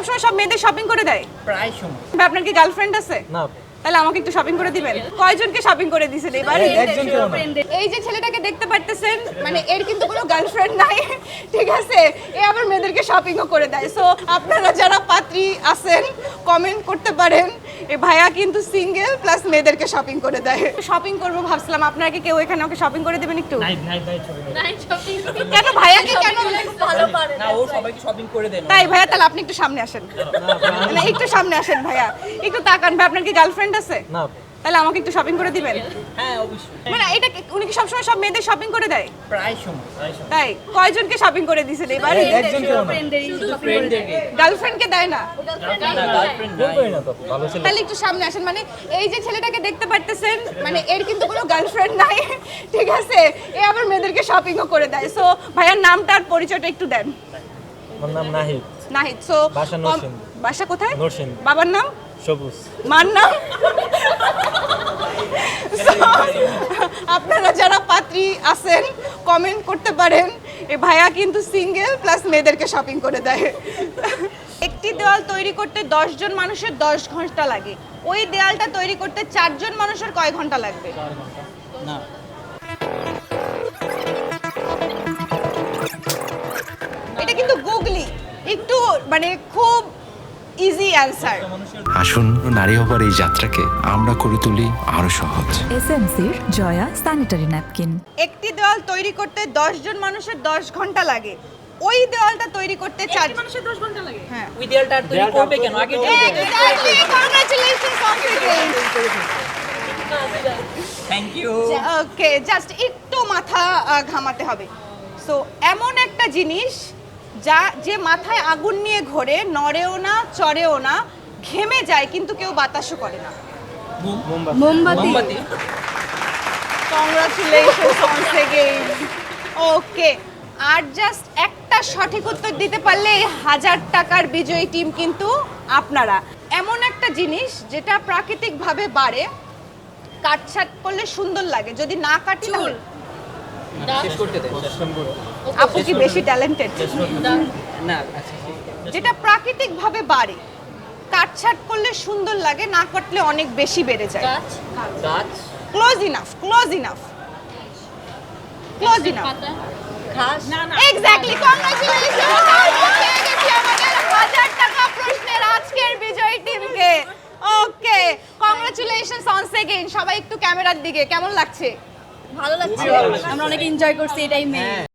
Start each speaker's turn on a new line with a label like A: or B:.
A: সবসময় সব মেয়েদের শপিং করে দেয়?
B: প্রায় সময়।
A: আপনার কি গার্লফ্রেন্ড আছে?
C: না।
A: তাহলে আমাকে একটু শপিং করে দিবেন। কয়জনকে শপিং করে দিয়েছেন এবার?
C: একজন কেউ না।
A: এই যে ছেলেটাকে দেখতে পারতেছেন, মানে এর কিন্তু কোনো গার্লফ্রেন্ড নাই, ঠিক আছে? এ আবার মেয়েদেরকে শপিংও করে দেয়। সো আপনারা যারা পাত্রী আছেন কমেন্ট করতে পারেন, এ ভাইয়া কিন্তু সিঙ্গেল প্লাস মেয়েদেরকে শপিং করে দেয়। শপিং করবো ভাবছিলাম, আপনারা কি কেউ এখানে ওকে শপিং করে দেবেন একটু? কেন ভাইয়াকে কেন?
B: না, ও সবাইকে শপিং করে দেন।
A: তাই ভাইয়া, তাহলে আপনি একটু সামনে আসেন, মানে একটু সামনে আসেন ভাইয়া, একটু তাকান ভাই, আপনার কি গার্লফ্রেন্ড আছে?
C: না।
A: তাহলে আমাকে একটু শপিং করে দিবেন।
B: হ্যাঁ, অবশ্যই।
A: মানে এটা উনি কি সবসময় সব মেয়েদের শপিং করে দেয়?
B: প্রায় সময়।
A: তাই কয়জনকে শপিং করে দিয়েছেন এবার?
C: একজন কেউ না।
B: শুধু ফ্রেন্ডদেরকে।
A: গার্লফ্রেন্ডকে দেয় না?
B: না, গার্লফ্রেন্ড নাই।
C: বলবোই না তো, ভালো ছিল।
A: তাহলে একটু সামনে আসেন, মানে এই যে ছেলেটাকে দেখতে পারতেছেন, মানে এর কিন্তু কোনো গার্লফ্রেন্ড নাই, ঠিক আছে? এ আবার মেয়েদেরকে শপিংও করে দেয়। সো ভাইয়ার নামটা আর পরিচয়টা একটু দেন।
C: আমার নাম নাহিদ।
A: নাহিদ। সো
C: বাসা নরসিংদী।
A: বাসা কোথায়?
C: নরসিংদী।
A: বাবার নাম?
C: সবুজ।
A: মার নাম? So, আপনারা যারা পাত্রী আছেন কমেন্ট করতে পারেন, এ ভাইয়া কিন্তু সিঙ্গেল প্লাস মেয়েদেরকে শপিং করে দেয়। একটি দেওয়াল তৈরি করতে 10 জন মানুষের 10 ঘন্টা লাগে, ওই দেওয়ালটা তৈরি করতে 4 জন মানুষের কয় ঘন্টা লাগবে?
B: না।
A: এটা কিন্তু গুগলি, একটু মানে খুব ইজি অ্যান্সার।
D: আসুন নারী হবার এই যাত্রাকে আমরা করে তুলি আরো সহজ।
E: এসএমসির জয়া স্যানিটারি ন্যাপকিন।
A: একটি দেওয়াল তৈরি করতে 10 জন মানুষের 10 ঘন্টা লাগে, ওই দেওয়ালটা তৈরি করতে 4 মানুষের 10 ঘন্টা লাগে। হ্যাঁ,
B: ওই দেয়ালটা আর তৈরি করবে কেন? আগে
A: Exactly. Congratulations, confidence.
B: Thank you.
A: Okay, just একটু মাথা ঘামাতে হবে। সো এমন একটা জিনিস যে মাথায় আগুন নিয়ে ঘোরে, নড়েও না, চড়েও না, ঘেমে যায় কিন্তু কেউ বাতাসও করে না।
B: মোমবাতি।
A: Congratulations once again. ওকে, আর জাস্ট একটা সঠিক উত্তর দিতে পারলে এই 1000 টাকার বিজয়ী টিম কিন্তু আপনারা। এমন একটা জিনিস যেটা প্রাকৃতিকভাবে বাড়ে, কাটছাট করলে সুন্দর লাগে, যদি না কাটি তাহলে?
B: শেষ করতে দেন।
A: আপু কি বেশি ট্যালেন্টেড?
B: না, আচ্ছা।
A: যেটা প্রাকৃতিকভাবে বাড়ে, কাটছাট করলে সুন্দর লাগে, না কাটলে অনেক বেশি বেড়ে যায়।
B: গাছ।
A: Close enough, close enough, close enough.
B: ঘাস।
A: Exactly, congratulation. পেয়ে গেছি আমাদের 1000 টাকা প্রশ্নের আজকের বিজয়ী টিমকে। Okay, congratulations once again. সবাই একটু ক্যামেরার দিকে, কেমন লাগছে?
F: ভালো লাগছে, আমরা অনেক এনজয় করছি এই টাইমে।